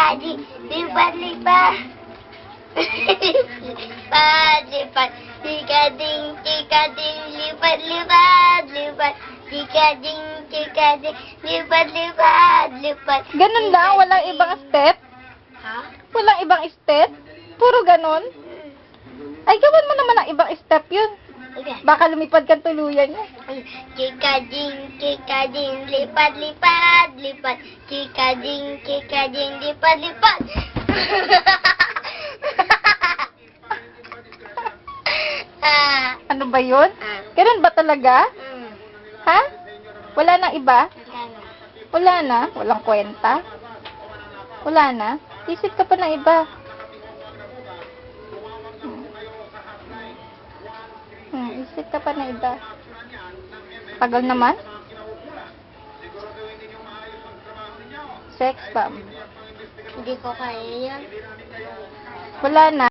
chika-ching, lipat-lipat. Lipat-lipat, chika-ching, chika-ching, lipat-lipat, lipat. Chika-ching, chika-ching, lipat-lipat, lipat. Ganun lang? Walang ibang step? Ha? Walang ibang step? Puro ganun? Ay, gawan mo naman ang ibang step yun. Okay. Baka lumipad kang tuluyan niya. Chika-ching, chika-ching, lipat-lipat, lipat. Chika-ching, chika-ching, lipat-lipat. Ano ba yun? Ganun ba talaga? Ha? Wala nang iba? Wala na? Walang kwenta? Wala na? Isip ka pa ng iba. Isip ka pa ng iba. Tagal naman? Sex bomb. Hindi ko kaya yan. Wala na?